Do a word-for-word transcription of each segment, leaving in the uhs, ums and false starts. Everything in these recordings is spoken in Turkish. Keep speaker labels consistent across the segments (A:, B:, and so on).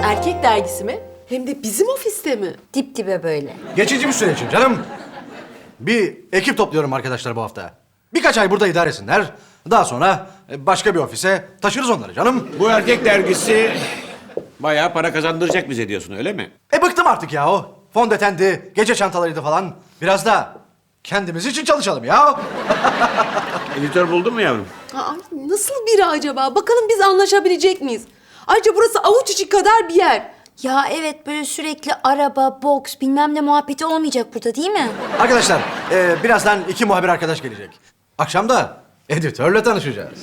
A: Erkek dergisi mi? Hem de bizim ofiste mi?
B: Dip dibe böyle.
C: Geçici bir süre için canım. Bir ekip topluyorum arkadaşlar bu hafta. Birkaç ay burada idare etsinler. Daha sonra başka bir ofise taşırız onları canım.
D: Bu erkek dergisi bayağı para kazandıracak bize diyorsun, öyle mi?
C: E bıktım artık ya o. Fondötendi, gece çantalarıydı falan. Biraz da kendimiz için çalışalım ya.
D: Editör buldun mu yavrum?
A: Aa, nasıl biri acaba? Bakalım biz anlaşabilecek miyiz? Ayrıca burası avuç içi kadar bir yer.
B: Ya evet, böyle sürekli araba, boks, bilmem ne muhabbeti olmayacak burada değil mi?
C: Arkadaşlar, e, birazdan iki muhabir arkadaş gelecek. Akşam da editörle tanışacağız.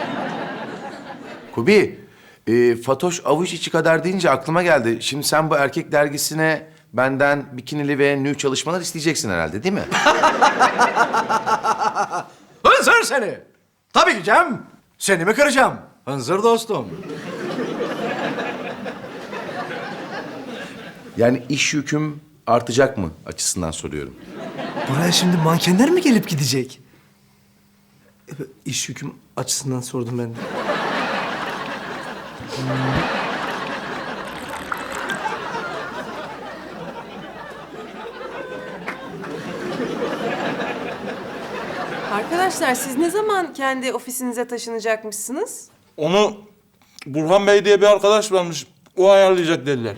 E: Kubi, e, Fatoş avuç içi kadar deyince aklıma geldi. Şimdi sen bu erkek dergisine benden bikinili ve nü çalışmalar isteyeceksin herhalde, değil mi?
C: Hınzır seni! Tabii ki Cem. Seni mi kıracağım? Hınzır dostum.
E: Yani iş yüküm artacak mı açısından soruyorum.
F: Buraya şimdi mankenler mi gelip gidecek? E, İş yüküm açısından sordum ben de.
A: Arkadaşlar siz ne zaman kendi ofisinize taşınacakmışsınız?
G: Onu Burhan Bey diye bir arkadaş varmış. O ayarlayacak dediler.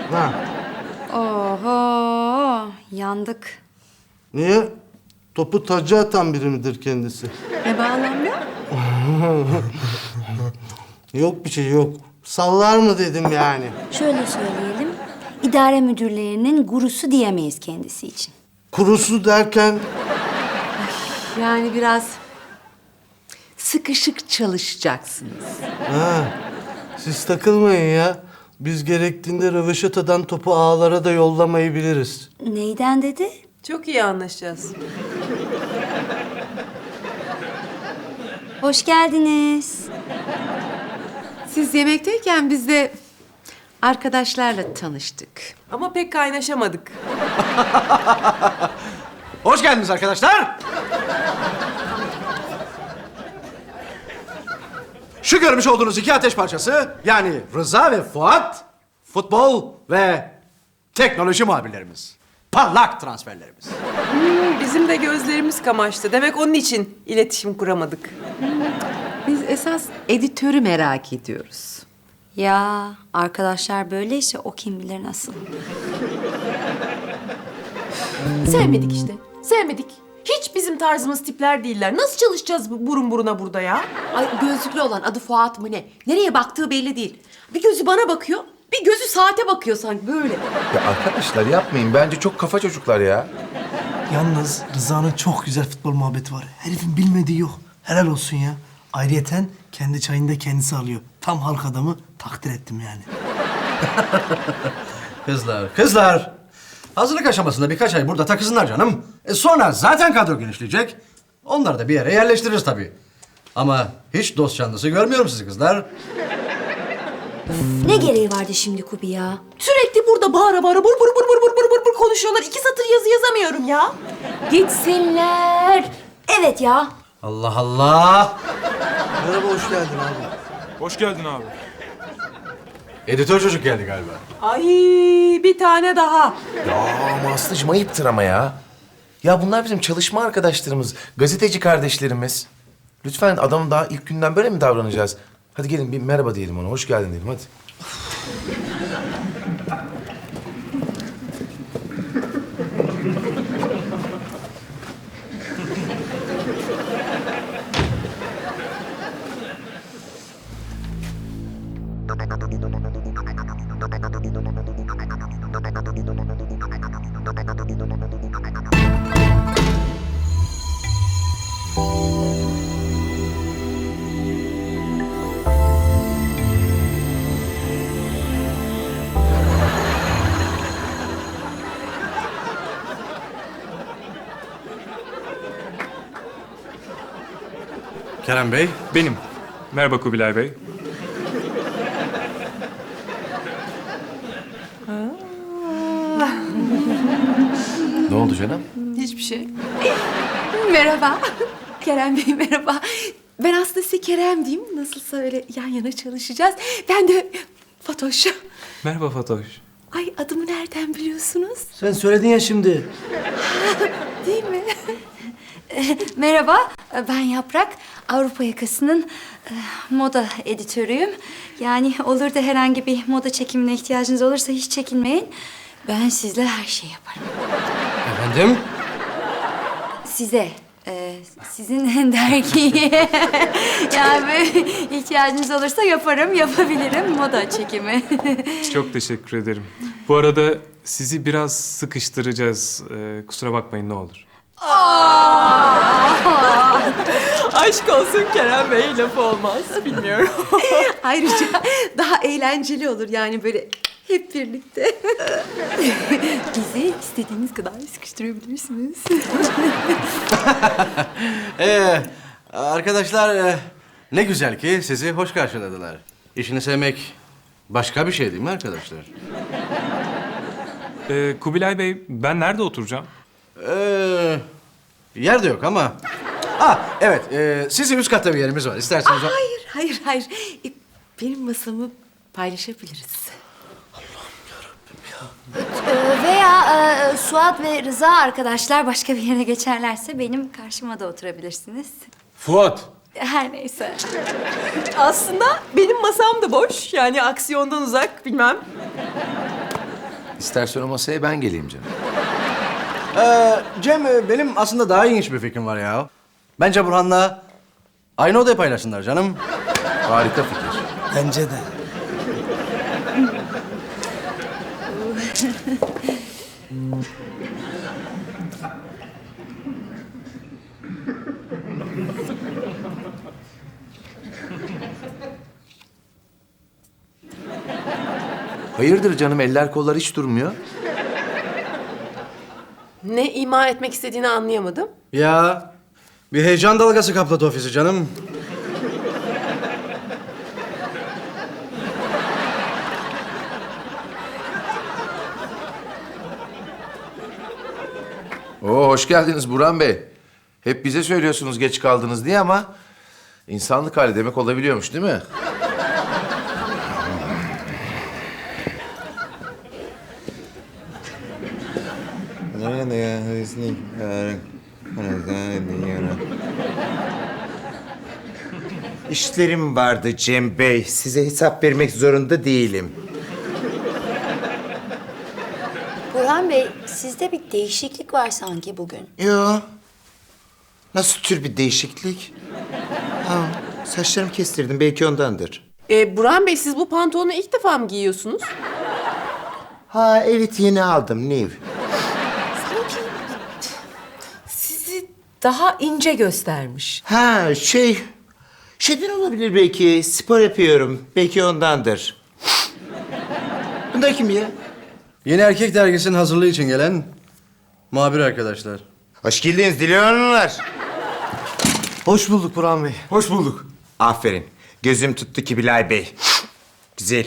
B: Oho, yandık.
H: Niye? Topu taca atan biri midir kendisi?
A: Ne bağlamda?
H: Yok bir şey yok. Sallar mı dedim yani.
B: Şöyle söyleyelim, idare müdürlerinin gurusu diyemeyiz kendisi için.
H: Kurusu derken
A: Yani biraz sıkışık çalışacaksınız.
H: ha, siz takılmayın ya. Biz gerektiğinde röveşatadan topu ağlara da yollamayı biliriz.
B: Neyden dedi?
A: Çok iyi anlaşacağız.
B: Hoş geldiniz.
I: Siz yemekteyken biz de arkadaşlarla tanıştık.
A: Ama pek kaynaşamadık.
C: Hoş geldiniz arkadaşlar. Şu görmüş olduğunuz iki ateş parçası, yani Rıza ve Fuat, futbol ve teknoloji muhabirlerimiz. Parlak transferlerimiz.
A: Bizim de gözlerimiz kamaştı. Demek onun için iletişim kuramadık.
I: Biz esas editörü merak ediyoruz.
B: Ya arkadaşlar böyleyse o kim bilir nasıl.
A: Sevmedik işte. Sevmedik. Hiç bizim tarzımız tipler değiller. Nasıl çalışacağız bu burun buruna burada ya?
I: Ay gözlüklü olan adı Fuat mı ne? Nereye baktığı belli değil. Bir gözü bana bakıyor, bir gözü saate bakıyor sanki böyle.
E: Ya arkadaşlar yapmayın. Bence çok kafa çocuklar ya.
F: Yalnız Rıza'nın çok güzel futbol muhabbeti var. Herifin bilmediği yok. Helal olsun ya. Ayrıyeten kendi çayını da kendisi alıyor. Tam halk adamı, takdir ettim yani.
C: Kızlar, kızlar. Hazırlık aşamasında birkaç ay burada takılsınlar canım. E sonra zaten kadro genişleyecek. Onları da bir yere yerleştiririz tabii. Ama hiç dost canlısı görmüyorum sizi kızlar.
B: Ne gereği vardı şimdi Kubi ya?
A: Sürekli burada bağıra bağıra bur bur bur bur bur bur bur bur konuşuyorlar. İki satır yazı yazamıyorum ya.
B: Gitsinler. Evet ya.
C: Allah Allah.
H: Merhaba, hoş geldin abi.
G: Hoş geldin abi.
C: Editör çocuk geldi galiba.
A: Ay bir tane daha.
E: Ya ama Aslı'cığım ayıptır ama ya. Ya bunlar bizim çalışma arkadaşlarımız, gazeteci kardeşlerimiz. Lütfen adamın daha ilk günden böyle mi davranacağız? Hadi gelin bir merhaba diyelim ona, hoş geldin diyelim hadi.
C: Kerem Bey.
G: Benim. Merhaba Kubilay Bey.
E: Ne oldu canım?
A: Hiçbir şey.
I: Merhaba. Kerem Bey merhaba. Ben aslında size Kerem diyeyim. Nasılsa öyle yan yana çalışacağız. Ben de Fatoş.
J: Merhaba Fatoş.
I: Ay adımı nereden biliyorsunuz?
F: Sen söyledin ya şimdi.
I: Değil mi?
B: Merhaba, ben Yaprak. Avrupa Yakası'nın e, moda editörüyüm. Yani olur da herhangi bir moda çekimine ihtiyacınız olursa hiç çekinmeyin. Ben sizle her şeyi yaparım.
C: Efendim?
B: Size, e, sizin dergiye yani böyle ihtiyacınız olursa yaparım, yapabilirim moda çekimi.
J: Çok teşekkür ederim. Bu arada sizi biraz sıkıştıracağız. Ee, kusura bakmayın ne olur.
A: Aşk olsun Kerem Bey, lafı olmaz. Bilmiyorum.
I: Ayrıca daha eğlenceli olur yani böyle hep birlikte. Bizi istediğiniz kadar sıkıştırabilirsiniz.
C: Ee, arkadaşlar e, ne güzel ki sizi hoş karşıladılar. İşini sevmek başka bir şey değil mi arkadaşlar?
J: Ee, Kubilay Bey, ben nerede oturacağım?
C: Ee, yer de yok ama... Ah evet, e, sizin üst katta bir yerimiz var. İsterseniz... o-
I: Hayır, hayır, hayır. E, Benim masamı paylaşabiliriz.
B: E, veya e, Suat ve Rıza arkadaşlar başka bir yere geçerlerse benim karşıma da oturabilirsiniz.
D: Fuat.
B: Her neyse.
A: Aslında benim masam da boş. Yani aksiyondan uzak, bilmem.
E: İstersen o masaya ben geleyim canım.
C: Ee, Cem, e, benim aslında daha ilginç bir fikrim var ya. Bence Burhan'la aynı odayı paylaşsınlar canım.
E: Harika fikir.
F: Bence de.
E: Hayırdır canım, eller kollar hiç durmuyor.
A: Ne ima etmek istediğini anlayamadım.
C: Ya, bir heyecan dalgası kapladı ofisi canım.
E: Oo, hoş geldiniz Burhan Bey. Hep bize söylüyorsunuz geç kaldınız diye ama... ...insanlık hali demek olabiliyormuş değil mi?
K: İşlerim vardı Cem Bey. Size hesap vermek zorunda değilim.
B: Burhan Bey, sizde bir değişiklik var sanki bugün.
K: Yo. Nasıl tür bir değişiklik? Ha, saçlarımı kestirdim. Belki ondandır.
A: Ee, Burhan Bey, siz bu pantolonu ilk defa mı giyiyorsunuz?
K: Ha evet, yeni aldım. New.
I: Sizi daha ince göstermiş.
K: Ha şey... Şeyden olabilir belki. Spor yapıyorum. Belki ondandır. Bunlar kim ya?
C: Yeni Erkek Dergisi'nin hazırlığı için gelen muhabir arkadaşlar.
K: Hoş geldiniz Dilanlar.
F: Hoş bulduk Burhan Bey.
K: Hoş bulduk. Aferin. Gözüm tuttu Kubilay Bey. Güzel.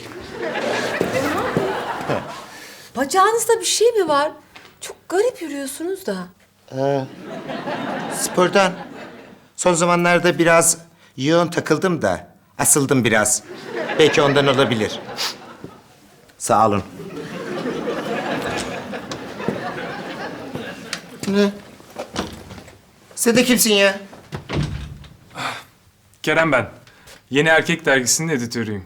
I: Bacağınızda bir şey mi var? Çok garip yürüyorsunuz da.
K: Spordan. Son zamanlarda biraz yoğun takıldım da. Asıldım biraz. Belki ondan olabilir. Sağ olun. Ne? Sen de kimsin ya?
J: Kerem ben. Yeni Erkek Dergisi'nin editörüyüm.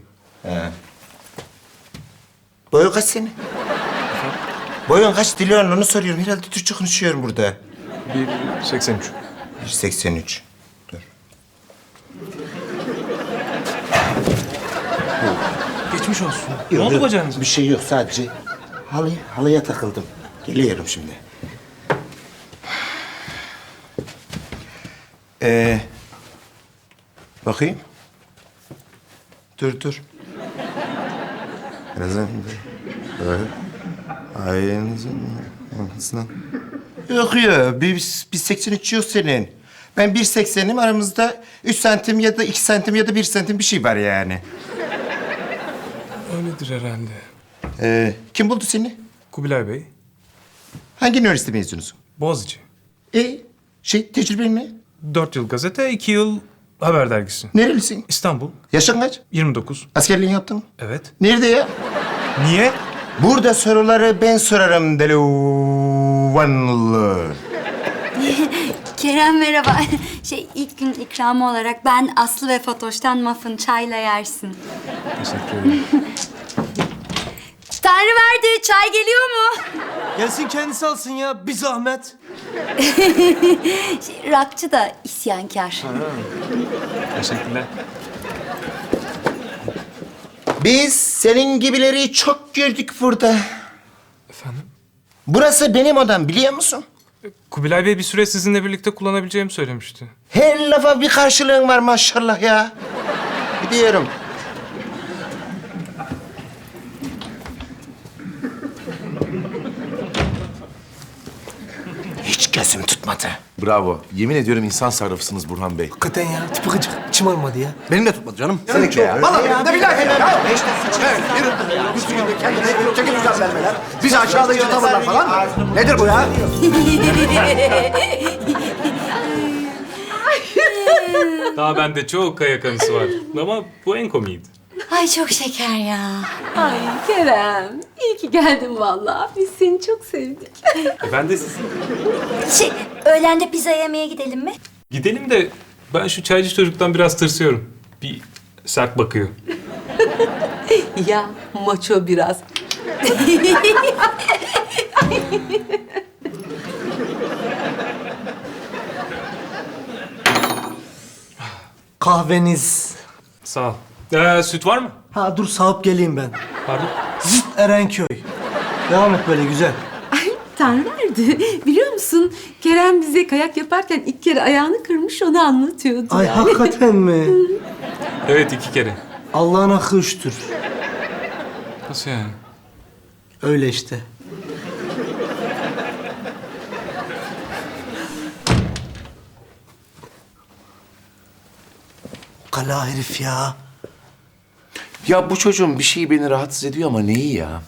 K: Boyun kaç senin? Boyun kaç Dilan, onu soruyorum. Herhalde Türkçe konuşuyorum burada.
J: bir seksen üç.
K: bir seksen üç. Dur.
J: Geçmiş olsun. Ne oldu bacağınıza?
K: Bir şey yok, sadece halı, halıya takıldım. Geliyorum şimdi. Ee, bakayım. Dur dur. Birazdan. Ayağınızın. Yok ya, bir, bir seksen üç yok senin. Ben bir seksenim, aramızda üç santim ya da iki santim ya da bir santim bir şey var yani.
J: Öyledir herhalde.
K: Ee, kim buldu seni?
J: Kubilay Bey.
K: Hangi üniversite mezunusun?
J: Boğaziçi.
K: E, şey, tecrüben ne?
J: Dört yıl gazete, iki yıl haber dergisi.
K: Nerelisin?
J: İstanbul.
K: Yaşın kaç?
J: yirmi dokuz.
K: Askerliğini yaptın mı?
J: Evet.
K: Nerede ya? Niye? Burada soruları ben sorarım delivanlı.
B: Kerem merhaba. Şey ilk gün ikramı olarak ben Aslı ve Fatoş'tan muffin çayla yersin.
J: Teşekkür ederim.
B: Tanrı verdi. Çay geliyor mu?
F: Gelsin kendisi alsın ya. Bir zahmet.
B: Şey, rakçı da isyankar.
J: Teşekkürler.
K: Biz senin gibileri çok gördük burada.
J: Efendim?
K: Burası benim odam biliyor musun?
J: Kubilay Bey bir süre sizinle birlikte kullanabileceğimi söylemişti.
K: Her lafa bir karşılığın var maşallah ya. Gidiyorum. Hiç gözüm tutmadı.
E: Bravo. Yemin ediyorum insan sarrafısınız Burhan Bey.
F: Hakikaten ya. Tipi gıcık. İçim almadı ya.
C: Benim de tutmadı canım.
K: Seninki ya.
C: Vallahi benim de bir dakika ya. Evet, yürü. Üstü gibi kendine çekil güzel vermeler. Bizi aşağılayıcı tavırlar falan. Nedir bu ya?
J: Daha bende çok kaya kanısı var. Ama bu en komiydi.
B: Ay çok şeker ya.
I: Ay Kerem, iyi ki geldin vallahi. Biz seni çok sevdik.
J: E ben de sizi.
B: Şey öğlende pizza yemeye gidelim mi?
J: Gidelim de ben şu çaycı çocuktan biraz tırsıyorum. Bir sert bakıyor.
I: Ya maço biraz.
F: Kahveniz.
J: Sağ ol. Ee, süt var mı?
F: Ha dur sağıp geleyim ben.
J: Pardon.
F: Zıt Erenköy. Devam et böyle güzel.
I: Ay Tanrı verdi. Biliyor musun Kerem bize kayak yaparken ilk kere ayağını kırmış onu anlatıyordu.
F: Ay
I: yani.
F: hakikaten mi?
J: Evet iki kere.
F: Allah'ın hakkı üçtür.
J: Nasıl yani?
F: Öyle işte. Kala herif ya.
E: Ya bu çocuğun bir şeyi beni rahatsız ediyor ama neyi ya?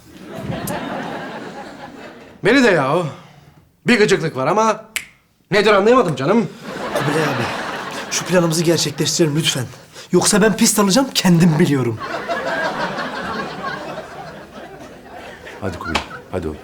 C: Beni de yahu. Bir gıcıklık var ama nedir anlayamadım canım.
F: Kubilay abi, şu planımızı gerçekleştirelim lütfen. Yoksa ben pist alacağım, kendim biliyorum.
E: Hadi Kubilay, hadi oğlum.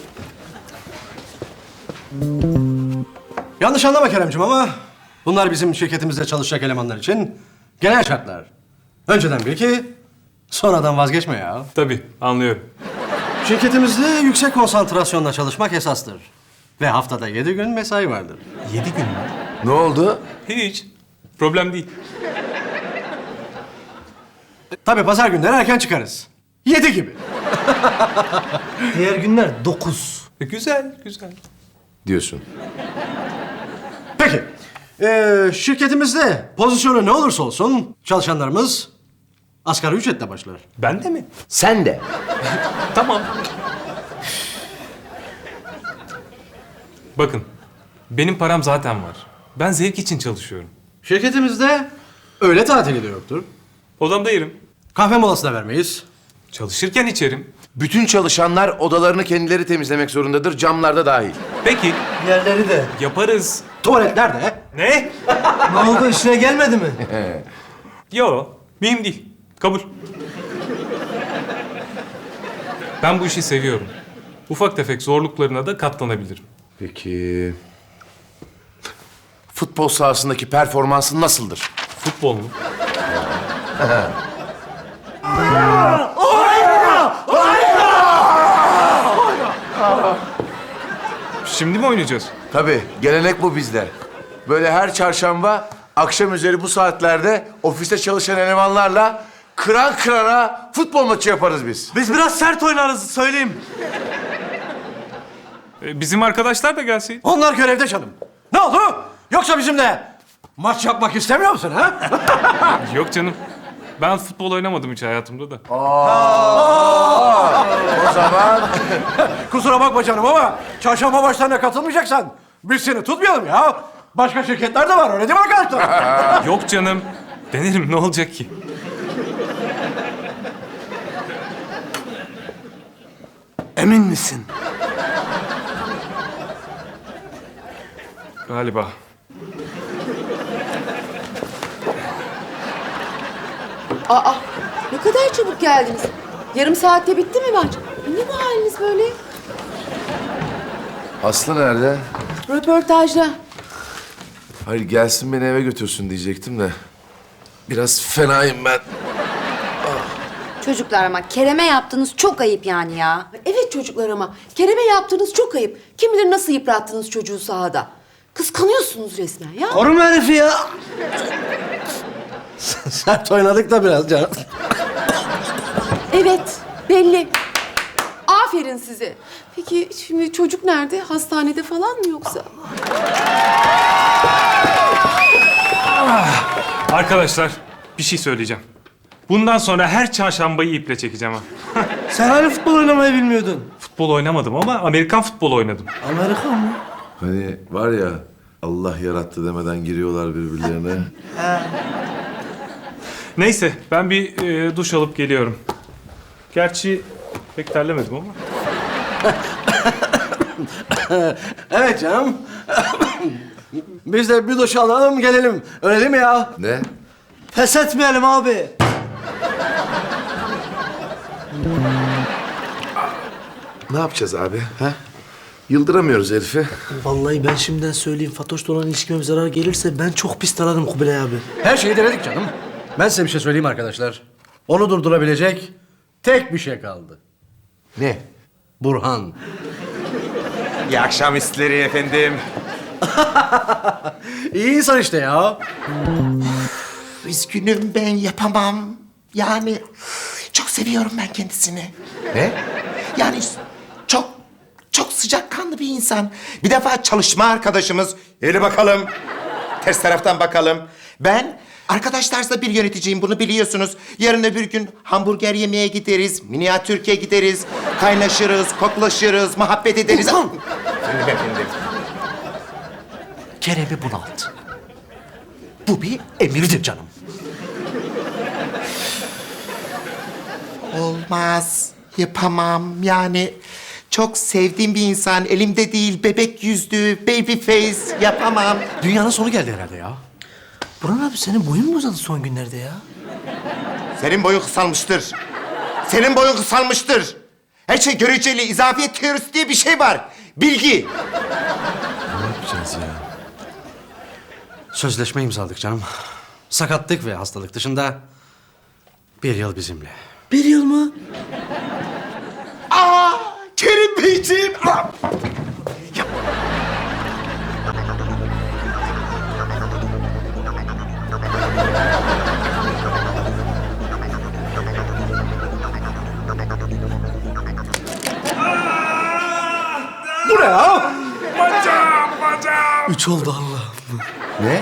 C: Yanlış anlama Keremciğim ama bunlar bizim şirketimizde çalışacak elemanlar için genel şartlar. Önceden bil ki sonradan vazgeçme ya.
J: Tabii anlıyorum.
C: Şirketimizde yüksek konsantrasyonla çalışmak esastır. Ve haftada yedi gün mesai vardır.
J: Yedi gün mü?
E: Ne oldu?
J: Hiç. Problem değil.
C: Tabii pazar günleri erken çıkarız. Yedi gibi.
F: Diğer günler dokuz.
J: E, güzel, güzel.
E: Diyorsun.
C: Peki. Ee, şirketimizde pozisyonu ne olursa olsun çalışanlarımız asgari ücretle başlar.
J: Ben de mi?
E: Sen de.
J: Tamam. Bakın, benim param zaten var. Ben zevk için çalışıyorum.
C: Şirketimizde öğle tatili de yoktur.
J: Odamda yerim.
C: Kahve molası da vermeyiz.
J: Çalışırken içerim.
E: Bütün çalışanlar odalarını kendileri temizlemek zorundadır, camlarda dahil.
J: Peki,
F: Yerleri de.
J: yaparız.
C: Tuvaletler de.
J: Ne?
F: Ne oldu, işine gelmedi mi?
J: Yo, mühim değil. Kabul. Ben bu işi seviyorum. Ufak tefek zorluklarına da katlanabilirim.
E: Peki... Futbol sahasındaki performansın nasıldır?
J: Futbol mu? Şimdi mi oynayacağız?
E: Tabii, gelenek bu bizde. Böyle her çarşamba akşam üzeri bu saatlerde ofiste çalışan elemanlarla kıran kırana futbol maçı yaparız biz.
F: Biz biraz sert oynarız, söyleyeyim.
J: E, bizim arkadaşlar da gelseydi.
C: Onlar görevde canım. Ne oldu? Yoksa bizimle maç yapmak istemiyor musun ha?
J: Yok canım. Ben futbol oynamadım hiç hayatımda da.
E: O zaman
C: Kusura bakma canım ama çarşamba maçlarına katılmayacaksan biz seni tutmayalım ya. Başka şirketler de var öyle değil mi arkadaşlar?
J: Yok canım. Denerim ne olacak ki?
F: Emin misin?
J: Galiba.
I: Aa, ne kadar çabuk geldiniz. Yarım saatte bitti mi maç? Ne bu haliniz böyle?
E: Aslı nerede?
I: Röportajda.
E: Hayır gelsin beni eve götürsün diyecektim de. Biraz fenayım ben.
B: Çocuklar ama Kerem'e yaptığınız çok ayıp yani ya.
I: Evet çocuklar ama Kerem'e yaptığınız çok ayıp. Kim bilir nasıl yıprattınız çocuğu sahada. Kıskanıyorsunuz resmen ya.
F: Koruma herifi ya.
C: Sert oynadık da biraz canım.
I: Evet, belli. Aferin size. Peki şimdi çocuk nerede? Hastanede falan mı yoksa?
J: Arkadaşlar bir şey söyleyeceğim. Bundan sonra her çarşambayı iple çekeceğim ha.
F: Sen hani futbol oynamayı bilmiyordun?
J: Futbol oynamadım ama Amerikan futbolu oynadım.
F: Amerika mı?
E: Hani var ya Allah yarattı demeden giriyorlar birbirlerine.
J: Neyse ben bir e, duş alıp geliyorum. Gerçi pek terlemedim ama.
C: Evet canım. Biz de bir duş alalım gelelim. Öyle değil mi ya?
E: Ne?
F: Pes etmeyelim abi.
E: Ne yapacağız abi? Ha? Yıldıramıyoruz herifi.
F: Vallahi ben şimdiden söyleyeyim. Fatoş'la olan ilişkime bir zarar gelirse ben çok pis tararım Kubilay abi.
C: Her şeyi denedik canım. Ben size bir şey söyleyeyim arkadaşlar. Onu durdurabilecek tek bir şey kaldı.
E: Ne?
C: Burhan.
K: İyi akşamüstleri efendim.
C: İyi insan işte ya.
K: Üzgünüm ben yapamam. Yani çok seviyorum ben kendisini.
E: Ne?
K: Yani çok çok sıcakkanlı bir insan. Bir defa çalışma arkadaşımız. Hele bakalım. Ters taraftan bakalım. Ben arkadaşlarsa bir yöneticiyim bunu biliyorsunuz. Yarın öbür gün hamburger yemeye gideriz. Minyatürk'e gideriz. Kaynaşırız, koklaşırız, muhabbet ederiz. Efendim efendim.
C: Kerem'i bunalt. Bu bir emirdir canım.
K: Olmaz. Yapamam. Yani çok sevdiğim bir insan. Elimde değil, bebek yüzlü, baby face. Yapamam.
C: Dünyanın sonu geldi herhalde ya.
F: Burhan abi senin boyun mu uzadı son günlerde ya?
K: Senin boyun kısalmıştır. Senin boyun kısalmıştır. Her şey göreceli, izafiyet teorisi diye bir şey var. Bilgi.
E: Ne yapacağız ya?
C: Sözleşme imzaladık canım. Sakatlık ve hastalık dışında bir yıl bizimle.
F: Bir yıl mı?
K: Aa, Kerim Beyciğim. Aa!
C: Bu ne ya?
F: Üç oldu Allah'ım.
E: Ne?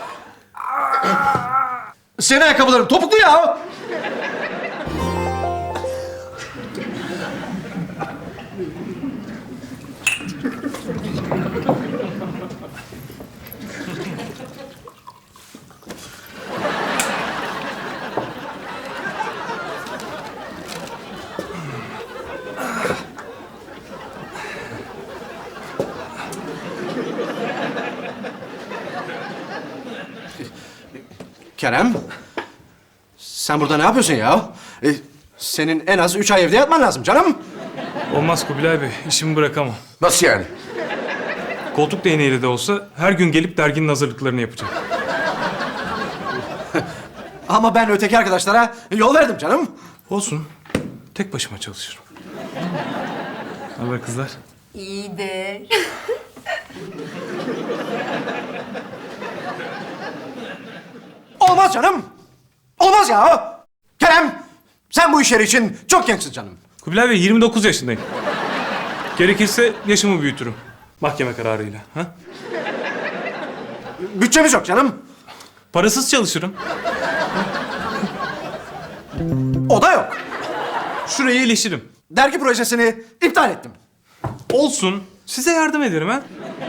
C: Senin ayakkabıların topuklu ya. Kerem, sen burada ne yapıyorsun ya? Ee, senin en az üç ay evde yatman lazım canım.
J: Olmaz Kubilay Bey, işimi bırakamam.
E: Nasıl yani?
J: Koltuk değneğiyle de olsa her gün gelip derginin hazırlıklarını yapacağım.
C: Ama ben öteki arkadaşlara yol verdim canım.
J: Olsun, tek başıma çalışırım. Ne haber kızlar?
B: İyidir.
C: Olmaz canım. Olmaz ya. Kerem, sen bu işleri için çok gençsin canım.
J: Kubilay Bey, yirmi dokuz yaşındayım. Gerekirse yaşımı büyütürüm. Mahkeme kararıyla. Ha?
C: Bütçemiz yok canım.
J: Parasız çalışırım.
C: O da yok.
J: Şurayı iyileşirim.
C: Dergi projesini iptal ettim.
J: Olsun, size yardım ederim ha.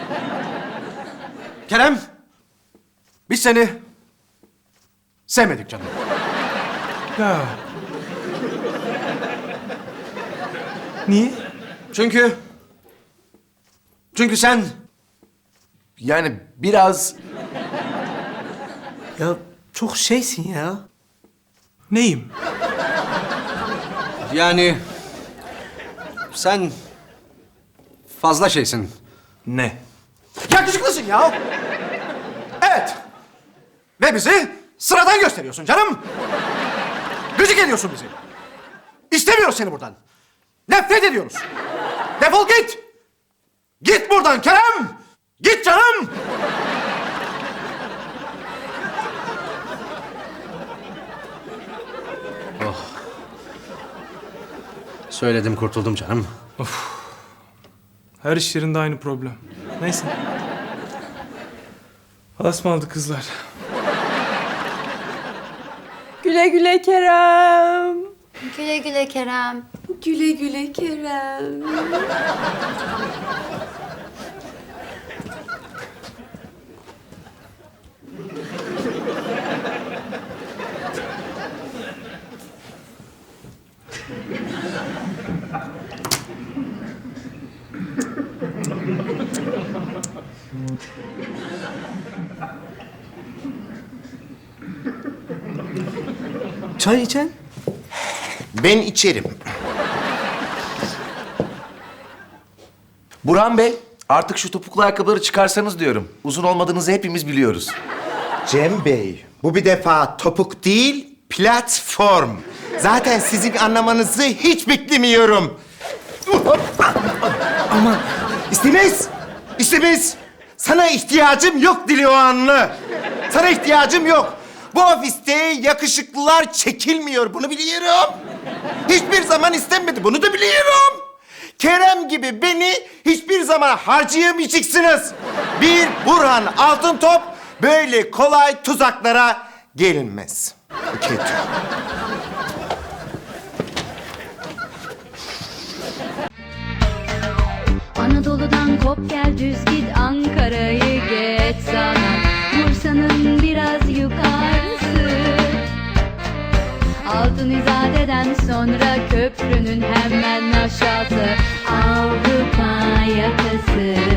C: Kerem, biz seni sevmedik canım.
J: Ya. Niye?
C: Çünkü... Çünkü sen...
E: Yani biraz...
F: Ya çok şeysin ya.
J: Neyim?
C: Yani sen fazla şeysin.
G: Ne?
C: Yakışıklısın ya. Evet. Ve bizi sıradan gösteriyorsun canım. Gıcık ediyorsun bizi. İstemiyoruz seni buradan. Nefret ediyoruz. Defol git. Git buradan Kerem. Git canım. Oh. Söyledim kurtuldum canım.
J: Her iş yerinde aynı problem. Neyse. Asmalı kızlar.
A: Güle güle Kerem.
B: Güle güle Kerem.
I: Güle güle Kerem.
F: Çay içen?
K: Ben içerim.
E: Burhan Bey, artık şu topuklu ayakkabıları çıkarsanız diyorum. Uzun olmadığınızı hepimiz biliyoruz.
K: Cem Bey, bu bir defa topuk değil, platform. Zaten sizin anlamanızı hiç beklemiyorum. Ama istemez, istemez. Sana ihtiyacım yok Diloğanlı. Sana ihtiyacım yok. Bu ofiste yakışıklılar çekilmiyor, bunu biliyorum. Hiçbir zaman istenmedi, bunu da biliyorum. Kerem gibi beni hiçbir zaman harcayamayacaksınız. Bir Burhan Altıntop böyle kolay tuzaklara gelinmez. Kötü.
L: Anadolu'dan kop gel düz git Ankara'yı geç sana Bursa'nın biraz yukarısı Altın İzade'den sonra köprünün hemen aşağısı Avrupa yakası